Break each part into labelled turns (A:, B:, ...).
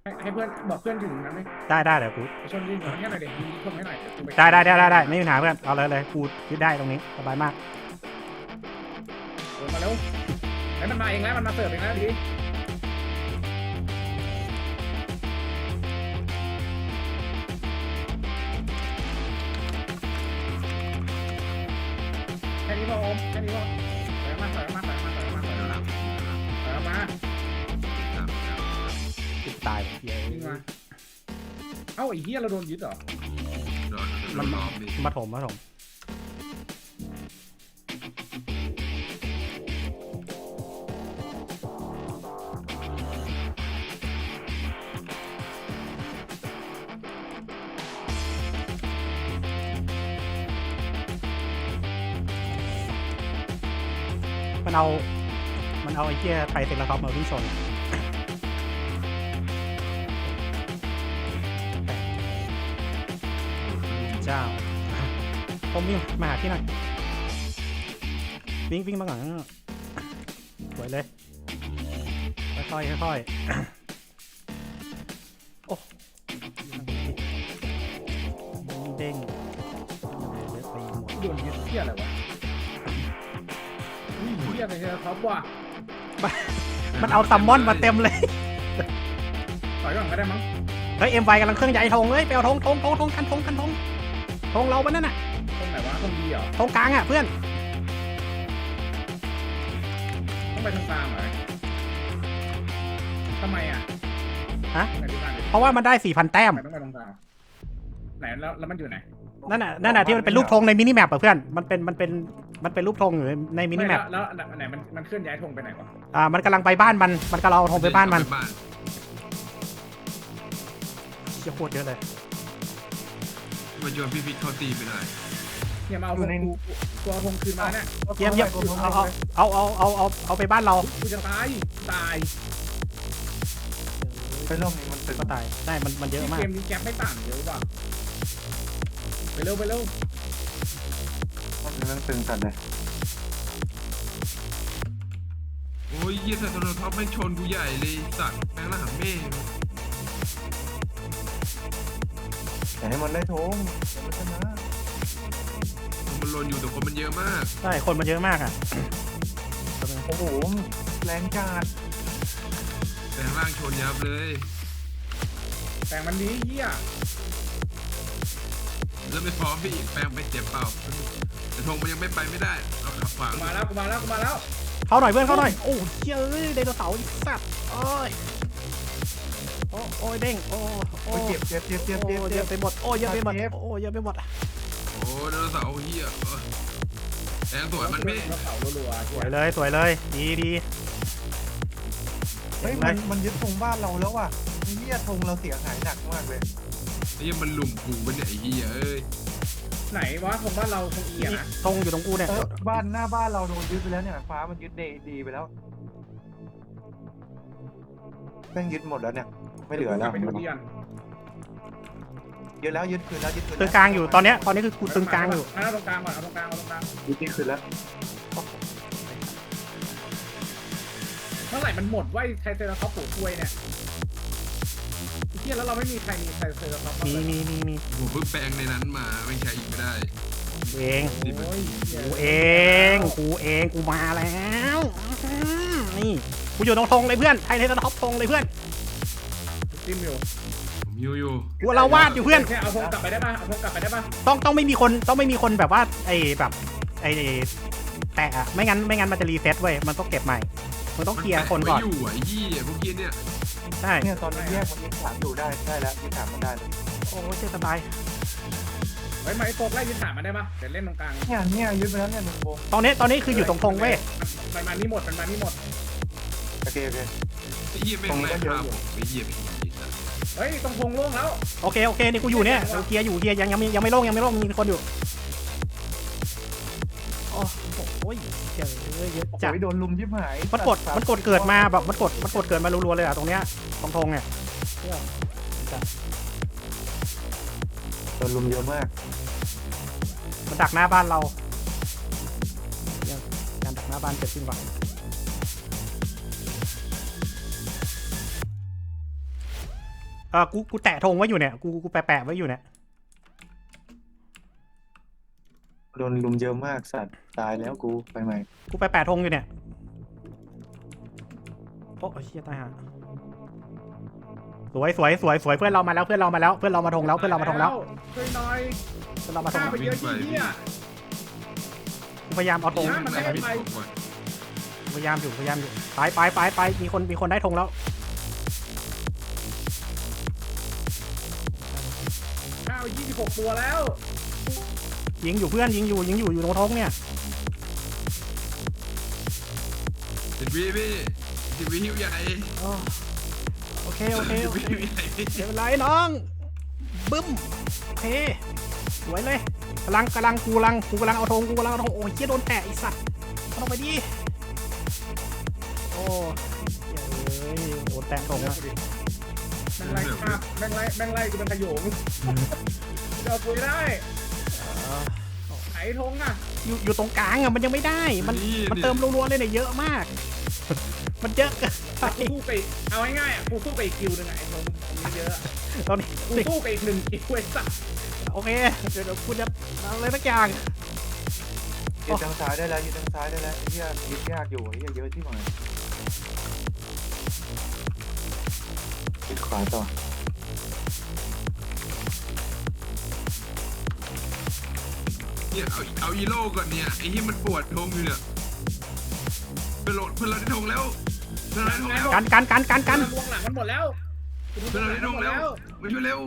A: ให้เพื่อนบอกเพื่อนถึงนะไหม
B: ได้เดี๋ยวกู
A: ไปชนยิงหน่อยให้หน่อยเด็กยิงชนให้หน่อยเดี๋ยวกูไป
B: ได้ไม่มีปัญหาเพื่อนเอาเลยกูยึดได้ตรงนี้สบายมาก
A: ลงมาเร็วให้มันมาเองแล้วมันมาเสิร์ฟเองแล้วดีแค่นี้พอโอมแค่นี้พอถอยมา
B: ติดตายเฮีย
A: ยิงมาเอ้าไอ้เหี้ยเราโดนยึดเหรอ
B: มันมาถมมันเอาไอ้เหี้ยไทยเซราท็อปมาวิ่งชนเจ้าผมวิ่งมาหาที่หน่อยวิ่งมาก่อนสวยเลยค่อยโอ้เด้งเยอะไปหมด
A: โดนยึดเหี้ยอะไรวะอุ้ยเหี้ยอะไรเนี่ยท็อปว่ะ
B: มันเอาซัมมอนมาเต็มเลย
A: ถอยก่อนก็ได้มั้ง
B: เฮ้ยเอ็มไวกำลังเครื่องใหญ่ธงเลยไปเอาธงคันธงเราปะนั่นน่ะ
A: ตรงไหนวะตรงดีเหรอ
B: ธงกลางอ่ะเพื่อน
A: ต้องไปทางกลางเหรอทำไมอ่ะ
B: ฮะ
A: ไหนดูกันดิ
B: เพราะว่ามันได้ 4,000 แต้ม
A: ทำไมต้องไปตรงกลางไหนแล้วมันอยู่ไหน
B: นั่นน่ะที่มันเป็นรูปธงในมินิแมปอ่ะเพื่อนมันเป็นรูปธงอยู่ในมินิแมป
A: แล้วไหนมันเคลื่อนย้ายธงไปไหนวะ
B: มันกำลังไปบ้านมันกำลังเอาธงไปบ้านมันเชี่ยโคตรเยอะเลย
C: มันโยนพี่เข้าตีไปหน่อย
A: เนี่ยมาเอาธงกูเอาธงคืนมาเนี่ย
B: เยี่ยมเอาไปบ้านเรา
A: กูจะตาย
D: ไปร่มนี้มันตึง
B: ก็ตายได้มันเยอะมาก
A: เกมนี้แก๊ปไม่ต่างเยอะว่ะไปเร็ว
D: มันตึงจัดเลย
C: โอ้ยเยี่ยสัตว์โทรท็อปไม่ชนกูใหญ่เลยสัตว์แม่งละหังเม่
D: แต่ให้มันได้ทงเดี๋ยวมันชนะ
C: มันลนอยู่แต่คนมันเยอะมาก
B: ใช่คนมันเยอะมากอ่ะ
D: โอ้โหแรงจัด
C: แต่ข้างล่างชนยับเลย
A: แต่มันดีเหี้ย
C: แล้วไม่พร้อมพี่แปลงไปเจ็บเปล่าแต่ธงมันยังไม่ไปไม่ได้เราขับขวาง
A: กูมาแล้ว
B: เข้าหน่อยเพื่อนเข้าหน่อยโอ้เจ้ยไดโนเสาร์สัตว์โอ้ยเด้งโอ้
D: เจ็บ
B: เยอะไปหมดเยอะไปหมด
C: โอ้ไดโนเสาร์เฮียแรงสวยมันไม่
A: เสารัว
B: สวยเลยดี
D: เฮ้ยมันยึดธงบ้านเราแล้วว่ะเฮียธงเราเสียหายหนักมากเลย
C: ไอ้เหี้ยมันหลุมกูมันเนี่ยไอ้เฮียเอ้ย
A: ไหนวะธงบ้านเราธงเอียนะ
B: ตรงอยู่ตรงกูเนี่ย
D: บ้านหน้าบ้านเราโดนยึดไปแล้วเนี่ยฟ้ามันยึดดีไปแล้วแม่งยึดหมดแล้วเนี่ยไม่เหลือแล้ว
A: ไปดูดิอัน
D: ยึดแล้วยึดคืนแล้วยึดคืน
B: ตึงกลางอยู่ตอนนี้คือกูตึงกลางอยู่
A: เอาตรงกลางก่อนเอาตรงกลาง
D: ยึดคืนแล้ว
A: เมื่อไหร่มันหมดว่าไทเซอร์ท็อปปลูกกล้วยเนี่ยเฮียแล้วเราไม่มีใครมีไทเซอร์ท็อป
B: มี
C: ผมเพิ่งแปลงในนั้นมาไม่ใช้อีกไม่ได้
B: กูเอง
A: โอ้ย
B: กูมาแล้วนี่กูอยู่ตรงธงเลยเพื่อนไทยในท็อปธงเลยเพื่อน
A: จิ้มอยู่
C: ผมฮิวอยู่
B: กูเราวาดอยู่เพื่อน
A: แค่เอาธงกลับไปได้ป่ะเอาธงกลับไปได้ป่ะ
B: ต้องไม่มีคนแบบว่าไอ้แบบไอ้แตะอะไม่งั้นมันจะรีเซ็ตเว้ยมันต้องเก็บใหม่มันต้องเคลียร์คนก่อน
C: มัแปะไว้อยู่ไอ้เหี้ยพวกเหี้ยเนี่ย
B: ใช่
D: เนี่ยตอนนี้แยกมันยึดฐานอยู่ได้แล้วยึดฐานมันได้
B: โอ้เจ๊สบาย
A: เฮ้ยมาไอ้โฟกไล่ยึดฐานมาได้ป่ะเดี๋ยวเล่นตรงกลาง
D: เนี่ยยึดไปแล้วเนี่ยหนึ่งวง
B: ตอนนี้คืออยู่ตรงธงเว้ย
A: มันมานี่หมด
D: โอเค
C: ไอ้เหี้ยแม่งไล่ฆ่าผมไอ้เหี้ยเป็นอย่างนี้สัตว์
A: เฮ้ยตรงธงโล่งแล้ว
B: โอเคนี่กูอยู่เนี่ยเคลียร์ยังไม่โล่งมีคนอยู่โอ้ยเจ๋อเยอะจัด
D: โดนลุมยิบหาย
B: มันกดเกิดมาแบบมันกดเกิดมารัวๆเลยอะตรงเนี้ยตรงธงเนี่ย
D: โดนลุมเยอะมาก
B: มันดักหน้าบ้านเราการดักหน้าบ้านเกิดขึ้นก่อนกูแตะธงไว้อยู่เนี่ยกูแปะไว้อยู่เนี่ย
D: โดนลุมเยอะมากสัตว์ตายแล้วกูไปใหม่
B: กูแปะธงอยู่เนี่ยโอ้เชี่ยตายห่าสวยเพื่อนเรามาแล้วเพื่อนเรามาธงแล้วช่วยหน่อย
A: เพื่อนเรามาธง
B: ฆ่า
A: ไปเยอะที่เหี้ย
B: กูพยายามเอาธง
A: มันไม่ให้ไป
B: พยายามอยู่ไปมีคนได้ธงแล้ว
A: ข้าว26 ตัวแล้ว
B: ยิงอยู่เพื่อนยิงอยู่ตรงธงเนี่ย
C: 10 วิพี่10 วิหิวใหญ่
B: โอเค
C: 10 วิหิวใหญ่พี่
B: เดี๋ยวเป็นไรน้องบึ้มโอเคสวยเลยกำลังเอาธงโอ้ยเหี้ยโดนแตะไอ้สัตว์เอาลงไปดิโอ้เฮ้ยโดนแตะธงนะ
A: แม่งไล่กูเป็นขโยงเดี๋ยวกูได้ ไถธงอ่ะ
B: อยู่ตรงกลางอ่ะมันยังไม่ได้มันเติมรัวๆเลยเนี่ยเยอะมาก มันเยอะเกินไป
A: กูสู้ไปเอาง่ายๆอ่ะกูสู้ไปอีกคิวนึงอ่ะไอ้ธงมันเยอะ
B: ตอนนี้
A: กูสู้ไปอีก1คิวไอ้สัส
B: โอเคเดี๋ยวกูจะทำอะไรสักอย่าง
D: ยืนทางซ้ายได้แล้วไอ้เหี้ยยึดยากอยู่ไอ้เหี้ยเยอะที่หมายยึดขวาต่อ
C: เนี่ยเอาอีโร่ก่อนเนี่ยไอ้ที่มันปวดธงอยู่เนี่ยเพื่อนเราได้ธงแล้วเพื่อนเราได้ธงแล้ว
B: กัน
A: วงหลังมันหมดแล้ว
C: เพื่อนเราได้ธงแล้วมาช่วยเร็ว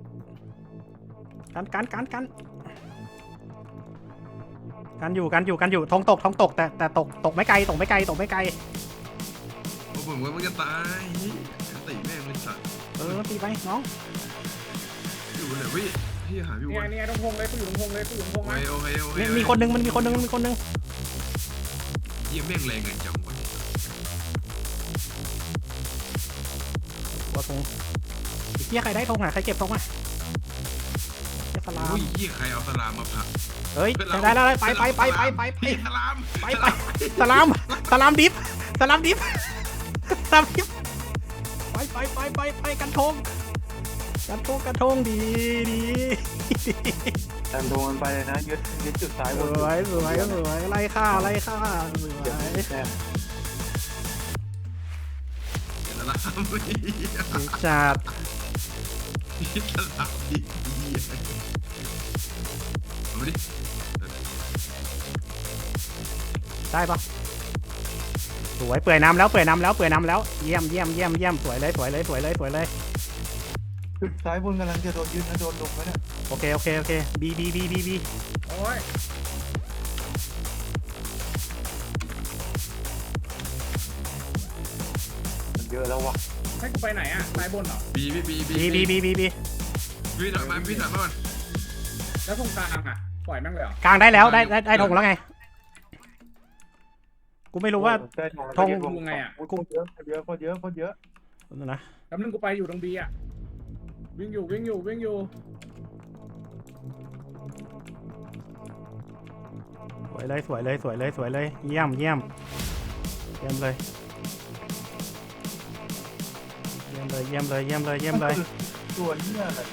B: กันอยู่ธงตกแต่ตกไม่ไกล
C: โอ้ผมว่ามันจะตายตีแม่งเป็นสัตว์
B: ตีไปน้อง
C: อยู่เลยพี่หาพี่วัน
A: เนี่ยตรงธงเลยกูอยู่ตรงธงเลยกูอยู่ตรงธง
C: โอ
A: นะ
C: เค
B: มีคนนึงมันมีคนนึง
C: เยี่ยมแม่งแรงไงจังวะ
B: ว่าธงเฮียใครได้ธงอ่ะใครเก็บธงอ่ะสลาม
C: อุ้ยเยี่ยใครเอาสลามมาผัก
B: เฮ้ยได้แล้วไป
C: พี่สลาม
B: สลามดิฟไปกันธงดี
D: ตามธงมันไปเลยนะยึดจุดซ้ายบน
B: สวยไล่ฆ่าสวย
D: เดี๋ยวแต้ม
C: สลาม
B: จัด
C: พี่สลามดีเอามาดิ
B: ได้ปะสวยเปื่อยน้ำแล้วเยี่ยมสวยเลย
D: จุดซ้ายบนกำลังจะโดนยึดนะโดนลงแล้วเนี่ย
B: โอเคบี
A: โอ้ย
D: มันเยอะแล้ววะ
A: ให้กูไปไหนอ่ะซ้ายบนเหรอ
C: บี พี่ถอยมาก่อน
A: แล้วตรงกลางอ่ะปล่อยแม่งเลยเหรอก
B: ลางได้แล้วได้ธงแล้วไงกูไม่รู้ว่า
D: ได้
B: ธง
A: กูไงอ่ะ
D: คนเยอะ
B: นะ
A: แล้วนึงกูไปอยู่ตรงบีอ่ะวิ่งอยู่
B: สวยเลยเยี่ยมเลย
D: ตัวเหี้ยอะไร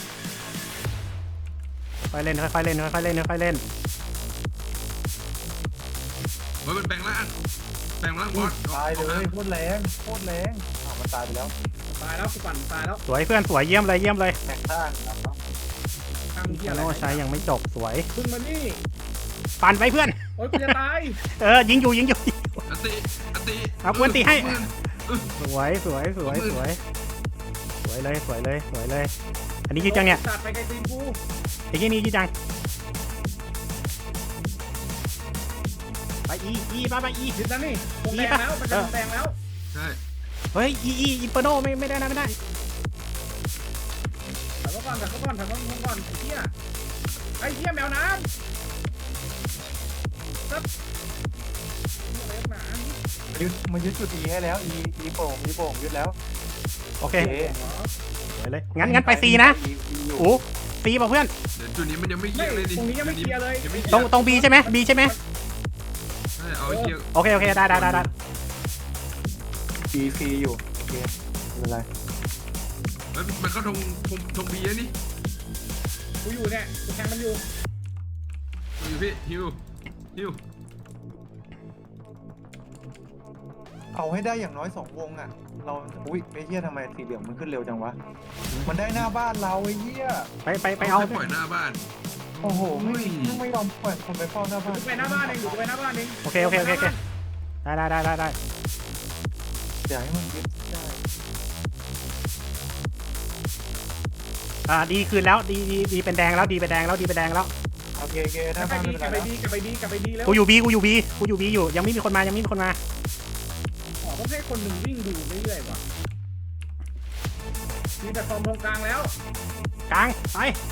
B: ค่อยเล่น
C: เฮ้ยมันแปลงร่างบอส
D: ตายเลยโคตรแรงมันตายไปแล้ว
A: ตายแล้วกูปั่นตายแล้ว
B: สวยเพื่อนสวยเยี่ยมเลย
D: แตกข้างครับ
A: ทางเหี้ยอะไร
B: โน่ใช้ยังไม่จบสวย
A: ขึ้นมานี่
B: ปั่นไปเพื่อน
A: โอ้ยกูจะตาย
B: ยิงอยู่
C: อติ
B: เอากวนตีให้ สวยเลยอันนี้ยืดจังเนี่ย
A: ตัดไปไกลตีนกู
B: ไอ้ที่นี่ยืดจังไปอีไป
A: ยึดนะนี่วงแดงแล้วมันจะวงแดงแล้ว
C: ใช่
B: เฮ้ยอินเปอร์โนไม่ได้
A: ถอยมาก่อนไอ้เหี้ยแมวน้ำซับอะไรหนา
D: มันยึดจุด E ให้แล้ว E โป่งยึดแล้ว
B: โอเคสวยเลยงั้นไปซีนะโอ้ซีป่ะเพื่อน
C: เดี๋ยวจุดนี้มันยังไม่เคลี
A: ไม่
C: ยร์เลยดิ
A: ตรงนี้ยังไม่เคลียร์เลย
B: ตรงบีใช่ไหมใช่ไหม
C: ใช่เอาไอ้เกียร์
B: โอเคได้
D: E ฟรีอยู่โอเคไม่เป็นไร
B: ส
C: มันเข้าธงบีนี่
A: กูอยู่เนี่ยกูแทงมันอยู่
C: อยู่พี่ฮิว
D: เอาให้ได้อย่างน้อย2 วงอ่ะเราอุ้ยไอ้เหี้ยทำไมสีเหลืองมันขึ้นเร็วจังวะมันได้หน้าบ้านเราไอ้เหี้ย
B: ไปเอา
C: ปล่อยหน้าบ้าน
D: โอ้โหไม่ยอมปล่อยคนไปเฝ้าหน้าบ้าน
A: กูไปหน้าบ้านเองกูไปหน้าบ้านเอง
B: โอเคได้
D: อย่าให้มันยึดได้
B: ดีคืนแล้วดีเป็นแดงแล้วดีเป็นแดงแล้ว
D: โอเคห
A: กลั
D: น้า
A: บไป
D: บ้าน
A: ดี
D: ไม่
A: กลั
D: เป็
A: บ
D: น
A: ไป
D: ไร
A: ดีกลับไปดีกลับไปดีแล้ว
B: กูอยู่บีอยู่ยังไม่มีคนมา
A: อ๋อต้องให้คนหนึ่งวิ่งดูเรื่อยๆว่ะมีแต่ฟอร์มตรงกลางแล้ว
B: กลางไป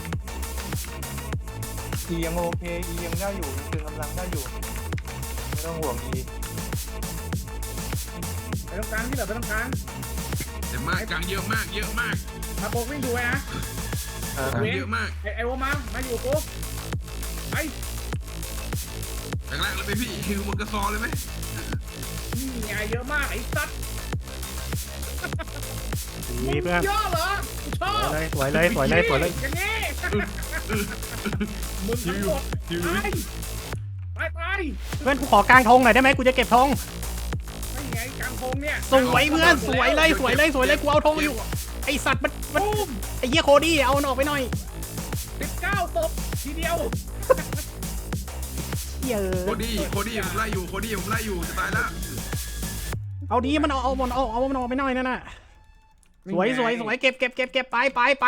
D: อียังโอเคอียังได้อยู่ตึงกำลังได้อยู่ไม่ต้องห่วงอี
A: ไปตรงกลางที่เหลือไปตรงกลาง
C: แต่มากกลางเยอะมาก
A: มาโปกวิ่งดูไว้นะ
C: กลางเยอะมาก
A: ไอโอมาอยู่กูไป
C: แรงๆเลยไปพี่ฮิวมันกระซอเลยไหม
A: นี่ไงเยอะมากไอ้สัตว์
B: มีเพื่อน
A: เยอะเหรอชอบ
B: สวยเลย
A: อย่างนี้มึงทั้งหมดไป
B: เพื่อนกูขอกลางธงหน่อยได้ไหมกูจะเก็บธง
A: ไม่ไงกลางโพงเนี่ย
B: สวยเพื่อนสวยเลยกูเอาธงอยู่ไอสัตว์มันไอเหี้ยโคดี้เอามันออกไปหน่อย
A: 19 ศพทีเดียว
B: เหี้ย
C: โคดี้ผมไล่อยู่จะตายแล้ว
B: เอาดีมันเอามันออกไปหน่อยนั่นน่ะสวยเก็บไป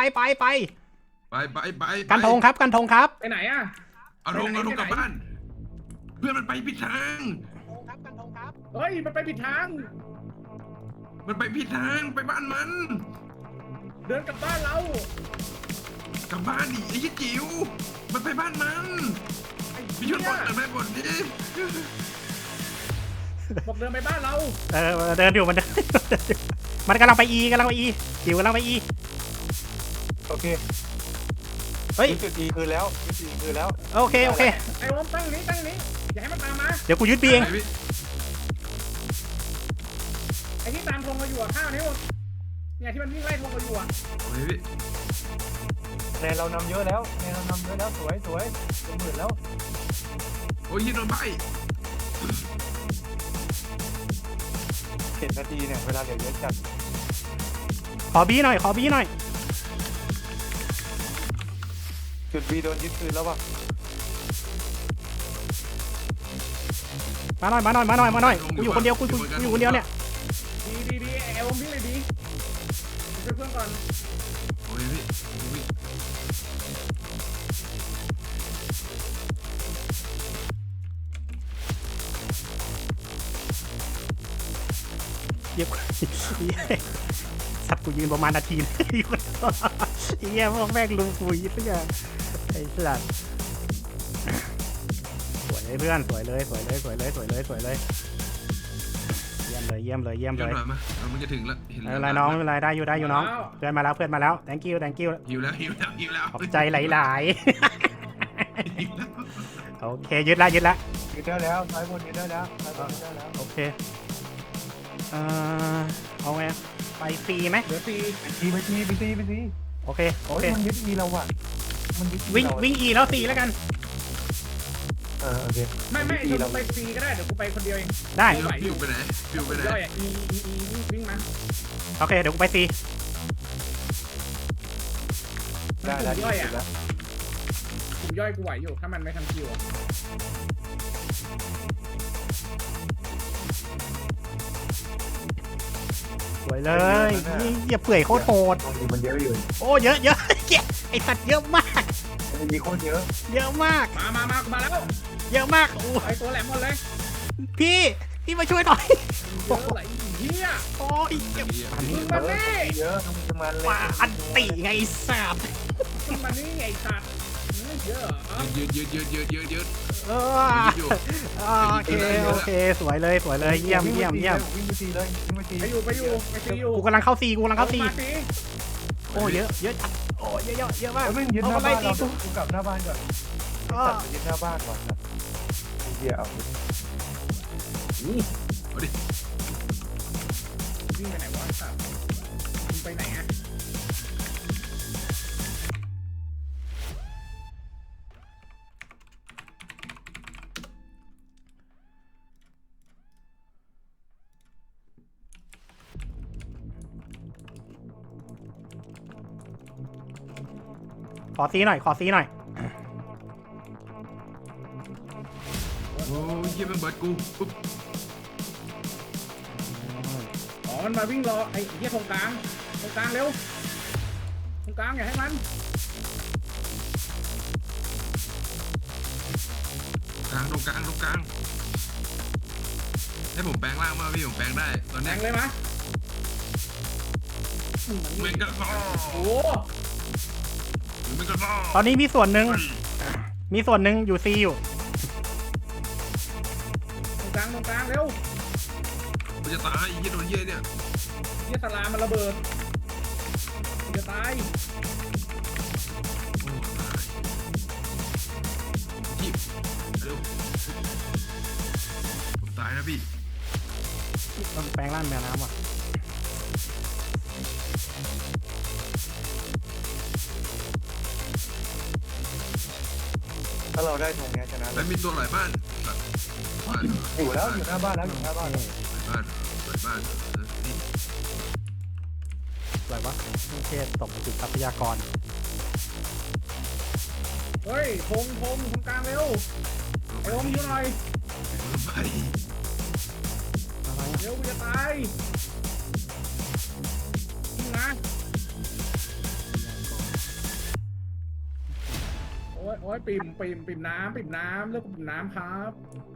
B: กันธงครับ
A: ไปไหนอ่ะ
C: เอาธงกลับบ้าน เพื่อนมันไปผิดทาง
A: เฮ้ยมันไปผิดทาง
C: ไปบ้านมัน
A: เดินกลับบ้านเรา
C: กลับบ้านดิไอ้ยี่จิ๋วมันไปบ้านมัน
A: ไอ้
C: พี่
A: เหี้
C: ช่วย
A: ย
C: บอลดิ
A: บอกเดินไปบ้านเรา
B: เดินอยู่มันกำลังไปอีจิ๋วกำลังไปอี
D: โอเค
B: เฮ้ย
D: จุดอีคือแล้ว
B: โอเค
A: ไอ้โอมตั้งนี้อย่าให้มันตามมา
B: เดี๋ยวกูยึดบีเอง
A: ไอ้ที่ตามธงเราอยู่ข้าวนี้หมดเนี่ยที่มันวิ่งไล่ธงเราอยู่อ่ะ
D: ในเรานำเยอะแล้วสวยลงหมื่นแล้ว
C: โอ้ยยิงโดนใบ
D: 7 นาทีเนี่ยเวลาเหลือเยอะจัด
B: ขอบีหน่อย
D: จุดบีโดนยึดคืนแล้วว่ะ
B: มาหน่อยกูอยู่คนเดียวกูอยู่คนเดียวเนี่ย
A: ดีไอ้โอมวิ่งเลยดีช่วยเพื่อนก่อน
C: โอ้ยพี่
B: เย็บสัตว์กูยืนประมาณนาทีไอ้เหี้ยพวกแม่งลุงกูยิ่งเพื่อไอ้สัตว์สวยเลยเพื่อนสวยเลยเยี่ยมเลย
C: เดี๋ยวหน่อยมามันจะถึงแล้ว
B: ไม่เป็นไรน้องไม่เป็นไรได้อยู่น้องเพื่อนมาแล้ว thank you
C: หิวแล้ว
B: ขอบใจหลายๆโอเคยึดละ
D: ยึดได้แล้วซ้ายบนยึดได้แล้ว
B: โอเคเอาไงไปฟรีไหม
A: เหลือตี
D: ไปที
B: โอเค
D: มันยึดอีเราว่ะมันยึด
B: วิ่งอีแล้วตีแล้วกัน
D: โอเค
A: ไม่เดี๋ยวกูไปตีก็ได้เดี๋ยวกูไปคนเดียวเอง
B: ได้
C: ฟิวไปไหน
A: ย่อยอ่ะอีวิ่งมา
B: โอเคเดี๋ยวกูไปตี
D: ได้
A: ย่อยอ่ะกลุ่มย่อยกูไหวอยู่ถ้ามันไม่ทำคิวอ่ะ
B: สวยเลยนี่อย่าเปื่อยโคตรโหด
D: มันเยอะอยู่
B: โอ้เยอะไอสัตว์เยอะมาก
D: มันมีโคตรเยอะ
B: เยอะมาก
A: มากูมาแล้ว
B: เยอะมากโอ้
A: ไอ้ตัวแหลมหมดเลย
B: พี่มาช่วยหน่อย
A: เยอะไหลเหี้ย
B: โอ้ยเจ็บ
A: มึงมานี่
D: เยอะต้องมันเลย
B: ว่าอันติไงสัตว์
A: มึงมานี่ไอ้สัตว์เยอะ
C: ยืด
B: โอเคสวยเลยเยี่ยม
D: วิ่งไปตีเลยวิ่งไปตี
A: ไปอยู่
B: กูกำลังเข้าซีโอ้เยอะจัดโอ้เยอะมาก
D: วิ่งยึดหน้าบ้านเรากูกลับหน้าบ้านก่อนตัดไปยึดหน้าบ้านก่อนครับเดี๋ยว
C: เอาดิ
A: วิ่งไปไหนวะสัตว์มึงไปไหนอ่ะ
B: ขอซีหน่อยขอซีหน่อย
C: โอ้ยเฮียมันเบิร์ดกูปุ๊บ
A: อ๋อมันมาวิ่งรอไอ้เหี้ยตรงกลางเร็วตรงกลางอย่าให้มัน
C: ตรงกลางให้ผมแปลงร่างมาพี่ผมแปลงได้ตอน
A: แท
C: นี้
A: งเลยมะ
C: เมงกะซอ
A: โอ้
C: เมงกะซอ
B: ตอนนี้มีส่วนหนึ่งอยู่ซีอยู่
A: ตรงกลางเร็ว
C: มันจะตายเฮียโดนเฮียเนี่ย
A: เหี้ยสลามมันระเบิดมันจะตาย
C: โอ้ตายพี่เร็วผมตายนะพี่
B: ต้องแปลงร่างแมวน้ำว่ะ
D: ถ้าเราได้ธงเนี้ยชนะ
C: แล้วมีตัวหลายบ้านบ้าน
D: อยู่แล้วอยู่หน้าบ้านแล้วอยู่หน้าบ้านแล้ว
C: หลายบ้านนี่
B: อะไรวะไม่ใช่ตกไปติดทรัพยากร
A: เฮ้ยธงตรงกลางเร็วไอ้โอมอยู่หน่อย
C: ไป
B: อะไร
A: เร็วมันจะตายยิงนะโอ้ยปิ่มน้ำเลือกปิ่มน้ำครับ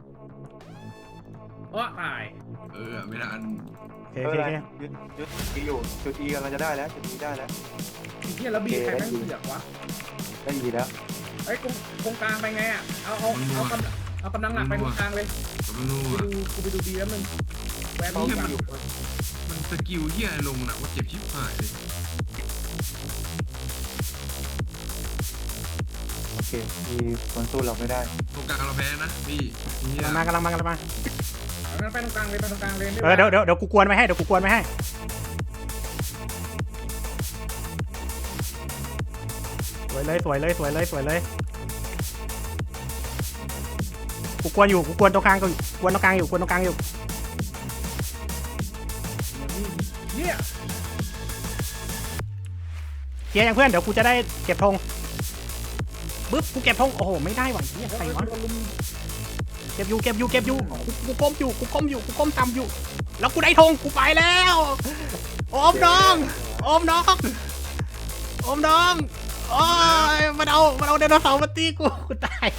A: ตาย
C: ไม่ทัน
B: โอเค
D: เอ
B: โอ
D: อ
B: เค
D: อะไร
B: โอเค
D: ยึดอีอยู่จุดอีกำลังจะได้แล้วจุดอีได้แล้ว
A: ไอ้เหี้ยแล้วบีใครแม่งเสือกวะ
D: ได้อีแล้ว
A: ไอ้ตรงกลางไปไงอ่ะเอากำลังหลักไปตรงกลางเลย
C: ผมไม่รู้อ่ะ
A: กูไปดูดีแล้วมึงแหวน
D: เขา
A: นี่
D: อยู่
C: มันสกิลเฮียลงนะว่าเจ็บชิบหายเลย
D: โอเคมีคนสู้เราไม่ได้
C: ตรงกลางเราแพ้นะพี่เฮีย
B: กำลังมา
A: เอาไปตรงกลางเลย
B: เดี๋ยวกูกวนไว้ให้สวยเลยกูกวนตรงกลางอยู่
A: เนี่ย
B: เคลียร์อย่างเพื่อนเดี๋ยวกูจะได้เก็บธงปึ๊บกูเก็บธงโอ้โหไม่ได้ว่ะเนี่ยใครวะเก็บอยู่กูก้มต่ำอยู่แล้วกูได้ธงกูไปแล้วโอมน้องโอ้ยมันเอาไดโนเสาร์มาตีกูตาย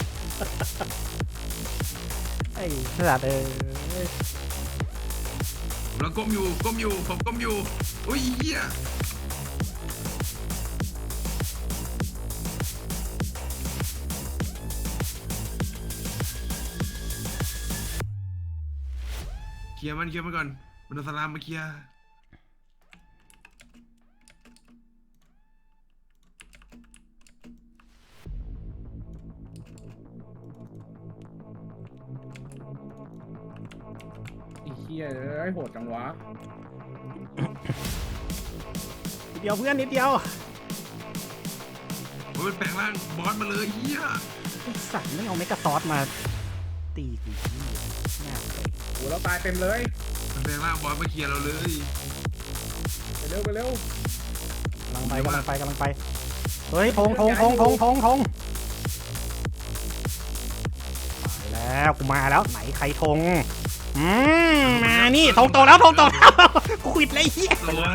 B: ไอ้สัตว์
C: ผมกำลังก้มอยู่ผมก้มอยู่อุ้ยเฮียเคลียร์มันก่อนมันเอาสลามมาเคลียร์
A: ไอ้เหี้ยไอ้โหดจังวะ
B: นิดเดียวเพื่อนนิดเดียว
C: มันแปลงร่างบอสมาเลยเฮีย
B: ไอ้สัตว์ไม่เอาเมกะซอสมาตีกูง่ายเลย
A: โหเราตายเต็มเลย
C: มันแปลงร่างบอสมาเคลียร์เราเลย
A: ไปเร็ว
B: กำลังไปเฮ้ยธงไปแล้วกูมาแล้วไหนใครธงมานี่ธงโตแล้วกูขวิดเลยเฮีย
C: ตัว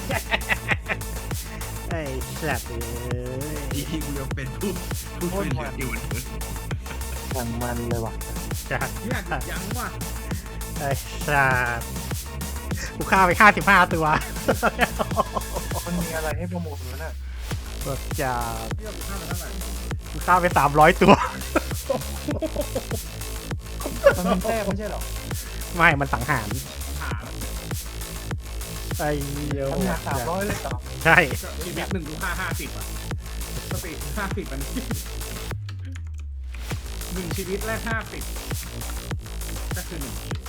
B: ไอ้สัตว์
C: อีที่กูยังเป็นผู้เป็นเหลืออยู่
D: อย่างมันเลยว่ะ
B: จัด
A: เนี่ยยังว่ะ
B: ไอ้สัตว์กูฆ่าไป55ตัว
D: มันมีอะไรให้ประมูลวะน่ะ
B: ก็จะ
A: เรื่องข้ามไปเท่าไหร่
B: กูฆ่าไป300ตัว
D: มันเป็นแต้มไม่ใช่หรอ
B: ไม่มันสังหาร
A: ถาม
B: ไอ้เหี้ย
D: ทำงาน300เลยต่อ
B: ใช่
A: ชีวิตหนึ่งดู50อ่ะสติ50มัน1 ชีวิตแรก50ก็คือ1